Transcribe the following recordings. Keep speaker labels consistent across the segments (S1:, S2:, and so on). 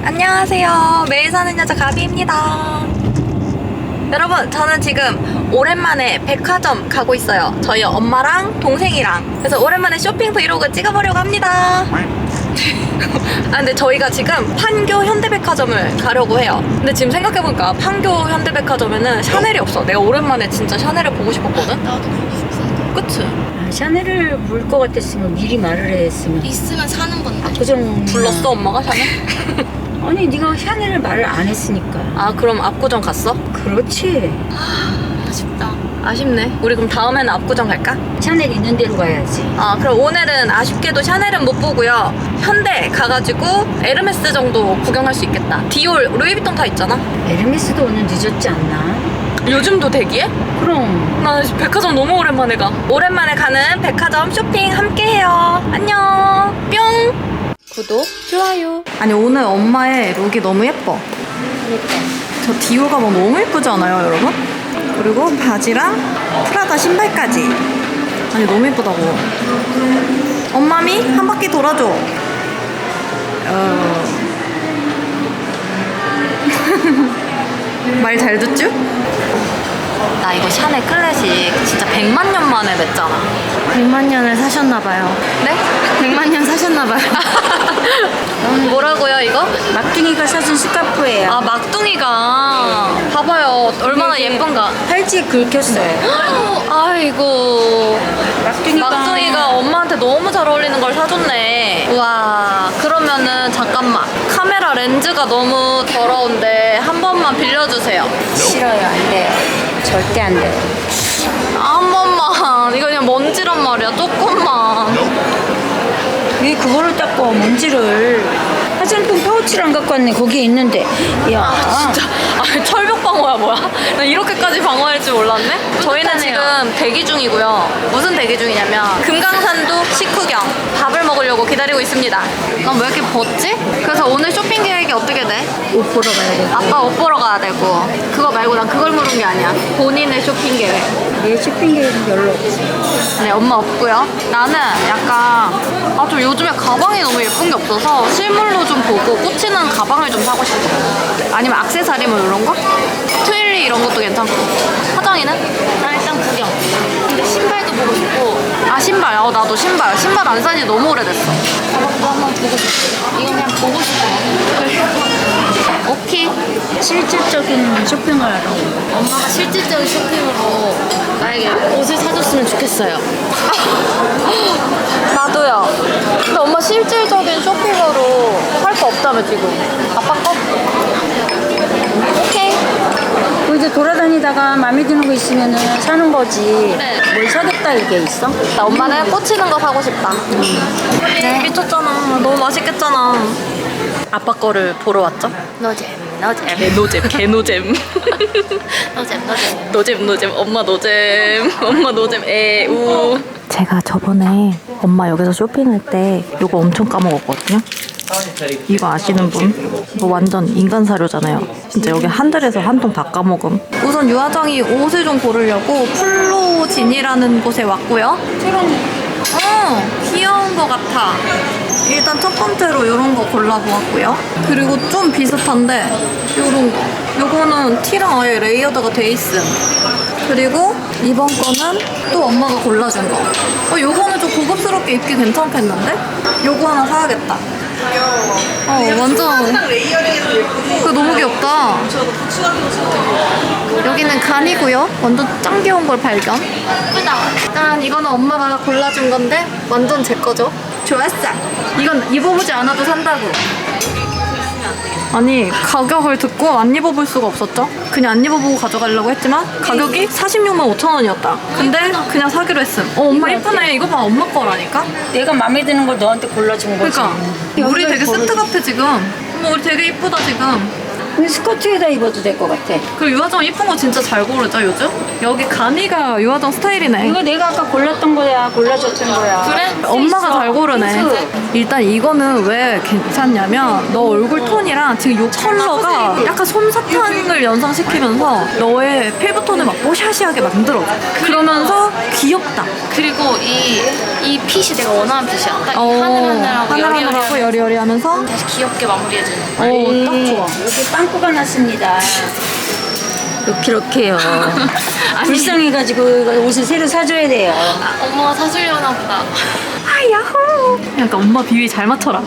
S1: 안녕하세요. 매일 사는 여자 가비입니다. 여러분, 저는 지금 오랜만에 백화점 가고 있어요. 저희 엄마랑 동생이랑. 그래서 오랜만에 쇼핑 브이로그 찍어보려고 합니다. 아, 근데 저희가 지금 판교 현대백화점을 가려고 해요. 근데 지금 생각해보니까 판교 현대백화점에는 샤넬이 없어. 내가 오랜만에 진짜 샤넬을 보고 싶었거든?
S2: 나도 보고 싶었어.
S1: 그치?
S3: 아, 샤넬을 볼 것 같았으면 미리 말을 했으면.
S2: 있으면 사는 건데.
S3: 압구정
S1: 불렀어, 엄마가 샤넬?
S3: 아니 네가 샤넬을 말을 안 했으니까.
S1: 아, 그럼 압구정 갔어?
S3: 그렇지.
S2: 아쉽다.
S1: 아쉽네. 우리 그럼 다음에는 압구정 갈까?
S3: 샤넬 있는 데로 가야지.
S1: 아, 그럼 오늘은 아쉽게도 샤넬은 못 보고요. 현대 가가지고 에르메스 정도 구경할 수 있겠다. 디올, 루이비통 다 있잖아.
S3: 에르메스도 오늘 늦었지 않나?
S1: 요즘도 대기해?
S3: 그럼.
S1: 나 백화점 너무 오랜만에 가. 오랜만에 가는 백화점 쇼핑 함께해요. 안녕. 뿅. 구독, 좋아요. 아니, 오늘 엄마의 룩이 너무 예뻐.
S3: 그러니까.
S1: 저 디올 가방 너무 예쁘지 않아요, 여러분? 그리고 바지랑 프라다 신발까지. 아니, 너무 예쁘다고. 엄마미, 한 바퀴 돌아줘. 말 잘 듣죠? 나 이거 샤넬 클래식 진짜 100만 년 만에 맸잖아.
S2: 100만 년을 사셨나봐요.
S1: 네?
S2: 100만 년 사셨나봐요.
S1: 뭐라고요, 이거?
S3: 막둥이가 사준 스카프예요.
S1: 아, 막둥이가. 봐봐요, 얼마나
S3: 이게
S1: 예쁜가.
S3: 팔찌 긁혔어요.
S1: 아이고.
S3: 막둥이가.
S1: 막둥이가 엄마한테 너무 잘 어울리는 걸 사줬네. 우와. 그러면은 잠깐만. 카메라 렌즈가 너무 더러운데 한 번만 빌려주세요.
S3: 싫어요. 안 돼요. 절대 안 돼요.
S1: 한 번만. 이거 그냥 먼지란 말이야. 조금만.
S3: 왜 그거를 닦고 먼지를. 화장품 파우치를 안 갖고 왔네. 거기에 있는데. 야.
S1: 아, 진짜. 아, 철벽 방어야 뭐야? 나 이렇게까지 방어할 줄 몰랐네. 저희는 지금 대기 중이고요. 무슨 대기 중이냐면 금강산도 식후경 밥을 먹으려고 기다리고 있습니다. 난 왜 이렇게 벗지? 그래서 오늘 쇼핑 계획이 어떻게 돼?
S3: 옷 보러 가야 돼.
S1: 아빠 옷 보러 가야 되고. 그거 말고 난 그걸 물은 게 아니야. 본인의 쇼핑 계획.
S3: 내 쇼핑 계획은 별로 없어.
S1: 네, 엄마 없고요. 나는 약간 좀 요즘에 가방이 너무 예쁜 게 없어서 실물로 좀 보고 꽂히는 가방을 좀 사고 싶어. 아니면 액세서리 뭐 이런 거? 트윌리 이런 것도 괜찮고. 화장이는?
S2: 나 일단 구경. 근데 신발도 보고 싶고.
S1: 아, 신발. 나도 신발. 신발 안 산지 너무 오래됐어.
S2: 가방도 한번 보고 싶고. 이건 그냥 보고 싶어.
S1: 오케이.
S3: 실질적인 쇼핑을 하러 온 거야.
S2: 엄마가 실질적인 쇼핑으로 나에게 옷을 사줬으면 좋겠어요.
S1: 나도요. 근데 엄마 실질적인 쇼핑으로 할 거 없다며 지금. 아빠 거? 오케이.
S3: 그 이제 돌아다니다가 마음에 드는 거 있으면은 사는 거지.
S1: 네.
S3: 뭘 사겠다 이게 있어?
S1: 나 엄마는 꽂히는 거 사고 싶다. 네. 미쳤잖아. 너무 맛있겠잖아. 아빠 거를 보러 왔죠?
S2: 노잼.
S1: 노잼, 개노잼. 노잼. 엄마 노잼. 엄마 노잼. 에우. 제가 저번에 엄마 여기서 쇼핑할 때 이거 엄청 까먹었거든요. 이거 아시는 분? 이거 완전 인간 사료잖아요. 진짜 여기 한 달에서 한 통 다 까먹음. 우선 유화정이 옷을 좀 고르려고 플로진이라는 곳에 왔고요. 귀여운 거 같아. 일단 첫 번째로 이런 거 골라보았고요. 그리고 좀 비슷한데 이런 거. 요거는 티랑 아예 레이어드가 돼 있음. 그리고 이번 거는 또 엄마가 골라준 거. 요거는 좀 고급스럽게 입기 괜찮겠는데? 요거 하나 사야겠다. 완전. 그거 너무 귀엽다. 여기는 간이고요. 완전 짱 귀여운 걸 발견. 예쁘다. 일단 이거는 엄마가 골라준 건데 완전 제 거죠. 좋았어. 이건 입어보지 않아도 산다고. 아니, 가격을 듣고 안 입어볼 수가 없었죠. 그냥 안 입어보고 가져가려고 했지만 가격이 46만 5천 원이었다. 근데 그냥 사기로 했음. 엄마 이쁘네. 이거 봐, 엄마 거라니까.
S3: 내가 마음에 드는 걸 너한테 골라준 거지.
S1: 그러니까 우리 되게 세트 같아 지금. 어머, 우리 되게 이쁘다 지금.
S3: 근데 스커트에다 입어도 될 것 같아.
S1: 그리고 유화정 이쁜 거 진짜 잘 고르죠 요즘? 여기 가미가 유화정 스타일이네.
S3: 이거 내가 아까 골랐던 거야. 골라줬던 거야.
S1: 그래? 엄마가 잘 고르네.
S3: 핑크.
S1: 일단 이거는 왜 괜찮냐면 너 얼굴 톤이랑 지금 요 컬러가 약간 솜사탕을 연상시키면서 너의 피부톤을 막 뽀샤시하게 만들어줘. 그러면서 귀엽다.
S2: 그리고 이 핏이 내가 원하는 핏이야. 딱 하늘하늘하고
S1: 하늘하늘하고 여리여리하면서
S2: 다시 귀엽게 마무리해주는.
S1: 딱 좋아.
S3: 여기 빵꾸가 났습니다. 이렇게요.
S1: 아니,
S3: 불쌍해가지고 옷을 새로 사줘야 돼요.
S2: 엄마가 사주려나 보다.
S1: 야호! 약간 엄마 비위 잘 맞춰라.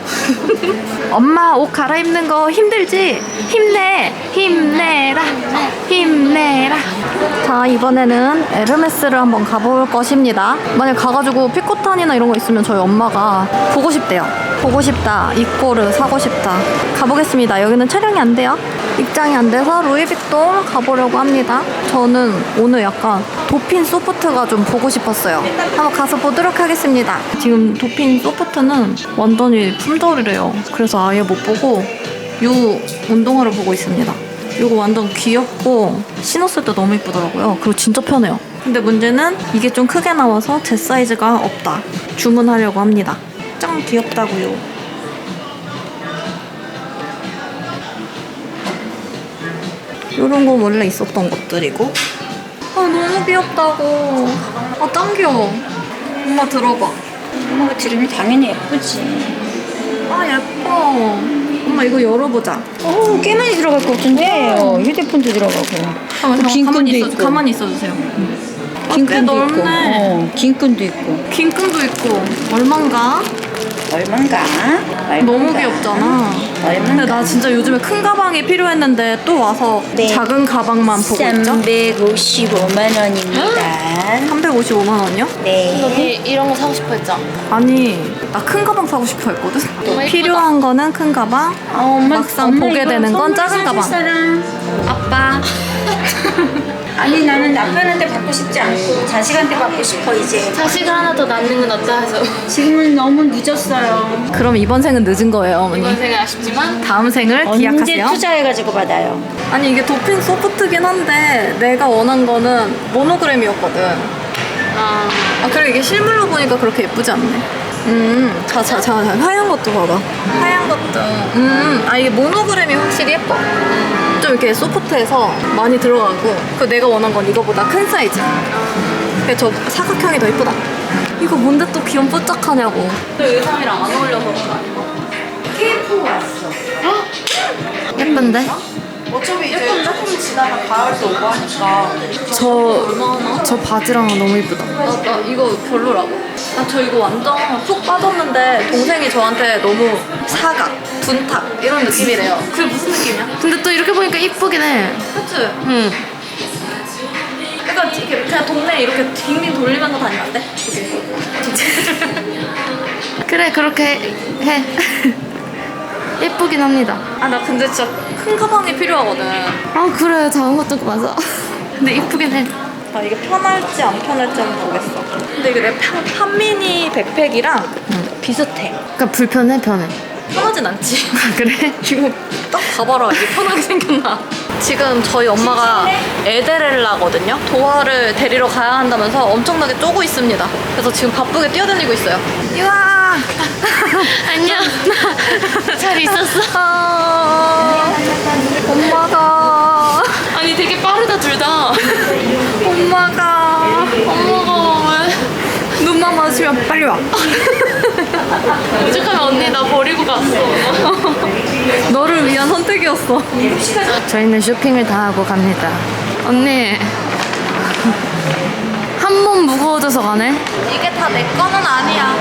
S1: 엄마 옷 갈아입는 거 힘들지? 힘내! 힘내라! 힘내라! 자, 이번에는 에르메스를 한번 가볼 것입니다. 만약 가가지고 피코탄이나 이런 거 있으면 저희 엄마가 보고 싶대요. 보고 싶다. 이꼬르 사고 싶다. 가보겠습니다. 여기는 촬영이 안 돼요. 입장이 안 돼서 루이비통 가보려고 합니다. 저는 오늘 약간 도핀 소프트가 좀 보고 싶었어요. 한번 가서 보도록 하겠습니다. 지금 도핀 소프트는 완전히 품절이래요. 그래서 아예 못 보고 이 운동화를 보고 있습니다. 이거 완전 귀엽고 신었을 때 너무 예쁘더라고요. 그리고 진짜 편해요. 근데 문제는 이게 좀 크게 나와서 제 사이즈가 없다. 주문하려고 합니다. 짱 귀엽다고요. 이런 거 원래 있었던 것들이고. 아 너무 귀엽다고. 아 짱 귀여워. 엄마 들어봐.
S3: 엄마가 들으면 당연히 예쁘지.
S1: 아 예뻐. 엄마 이거 열어보자.
S3: 꽤 많이 들어갈 것 같은데. 휴대폰도 들어가고. 긴 끈도 있고.
S1: 가만히 있어주세요.
S3: 긴
S1: 꽤
S3: 끈도 있고.
S1: 넓네.
S3: 긴 끈도 있고.
S1: 긴 끈도 있고. 얼만가?
S3: 얼만가?
S1: 너무 귀엽잖아. 근데 나 진짜 요즘에 큰 가방이 필요했는데 또 와서
S3: 네.
S1: 작은 가방만 보고 있죠?
S3: 355만 원입니다.
S1: 355만 원이요?
S3: 네.
S2: 언니 이런 거 사고 싶어 했잖아.
S1: 아니 나 큰 가방 사고 싶어 했거든.
S2: 너무
S1: 필요한 거는 큰 가방, 막상 보게 되는 건 작은 가방.
S3: 아빠. 아니 나는 남편한테 받고 싶지 않고 자식한테 받고 싶어 이제.
S2: 자식을 하나 더 낳는 건 어떠 해서.
S3: 지금은 너무 늦었어요.
S1: 그럼 이번 생은 늦은 거예요, 어머니.
S2: 이번 생은 아쉽지만
S1: 다음 생을
S3: 언제
S1: 기약하세요.
S3: 투자해가지고 받아요.
S1: 아니 이게 도핑 소프트긴 한데 내가 원한 거는 모노그램이었거든.
S2: 아
S1: 그리고 이게 실물로 보니까 그렇게 예쁘지 않네. 자, 하얀 것도 봐봐. 하얀 것도. 이게 모노그램이 확실히 예뻐. 좀 이렇게 소프트해서 많이 들어가고. 그 내가 원한 건 이거보다 큰 사이즈. 그래서 저 사각형이 더 예쁘다. 이거 뭔데 또 귀염 뽀짝하냐고. 의상이랑 안 어울려서 그런가?
S3: 케이프 왔어.
S1: 예쁜데?
S3: 어차피 이제 조금 지나면 가을도 오고 하니까.
S1: 저 바지랑 너무 이쁘다. 나 이거 별로라고. 나 저 이거 완전 푹 빠졌는데 동생이 저한테 너무 사각, 둔탁 이런 느낌이래요. 그게 무슨 느낌이야?
S2: 근데 또 이렇게 보니까 이쁘긴 해.
S1: 그치?
S2: 응.
S1: 약간 이렇게 그냥 동네 이렇게 빙빙 돌리면서 다니면 안 돼?
S2: 그래 그렇게 해. 예쁘긴 합니다.
S1: 나 근데 진짜 큰 가방이 필요하거든.
S2: 아 그래 작은 것도 맞아. 근데 이쁘긴 해.
S1: 이게 편할지 안 편할지 한번 보겠어. 근데 이게 내 판미니 백팩이랑 비슷해.
S2: 그러니까 불편해 편해.
S1: 편하진 않지.
S2: 그래?
S1: 이거 딱 봐봐라. 이게 편하게 생겼나. 지금 저희 엄마가 에데렐라거든요. 도화를 데리러 가야 한다면서 엄청나게 쪼고 있습니다. 그래서 지금 바쁘게 뛰어다니고 있어요. 유아!
S2: 안녕. 잘 있었어?
S1: 엄마가
S2: 아니 되게 빠르다 둘 다.
S1: 엄마가
S2: 왜?
S1: 눈만 마주치면 빨리 와.
S2: 오죽하면 언니 나 버리고 갔어.
S1: 너를 위한 선택이었어.
S2: 저희는 쇼핑을 다 하고 갑니다. 언니 한 몸 무거워져서 가네.
S1: 이게 다 내 거는 아니야.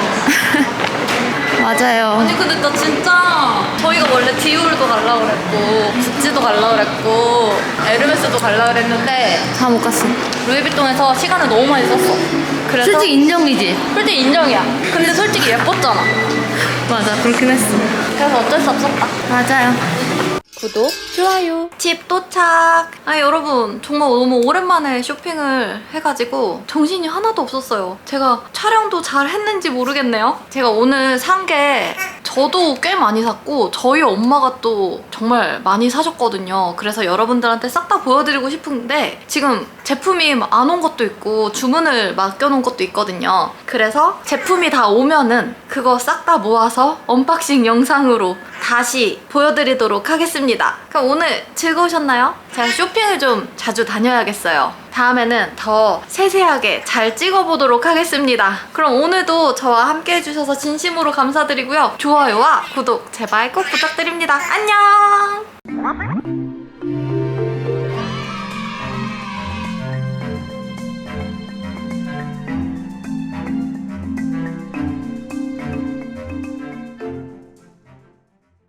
S2: 맞아요.
S1: 아니 근데 나 진짜 저희가 원래 디올도 갈라 그랬고 구찌도 갈라 그랬고 에르메스도 갈라 그랬는데
S2: 다 못 갔어.
S1: 루이비통에서 시간을 너무 많이 썼어. 그래서
S2: 솔직히 인정이지.
S1: 솔직히 인정이야. 근데 솔직히 예뻤잖아.
S2: 맞아 그렇긴 했어.
S1: 그래서 어쩔 수 없었다.
S2: 맞아요. 구독, 좋아요.
S1: 집 도착! 아 여러분 정말 너무 오랜만에 쇼핑을 해가지고 정신이 하나도 없었어요. 제가 촬영도 잘 했는지 모르겠네요. 제가 오늘 산 게 저도 꽤 많이 샀고 저희 엄마가 또 정말 많이 사셨거든요. 그래서 여러분들한테 싹 다 보여드리고 싶은데 지금 제품이 안 온 것도 있고 주문을 맡겨놓은 것도 있거든요. 그래서 제품이 다 오면은 그거 싹 다 모아서 언박싱 영상으로 다시 보여드리도록 하겠습니다. 그럼 오늘 즐거우셨나요? 제가 쇼핑을 좀 자주 다녀야겠어요. 다음에는 더 세세하게 잘 찍어보도록 하겠습니다. 그럼 오늘도 저와 함께 해주셔서 진심으로 감사드리고요. 좋아요와 구독 제발 꼭 부탁드립니다. 안녕!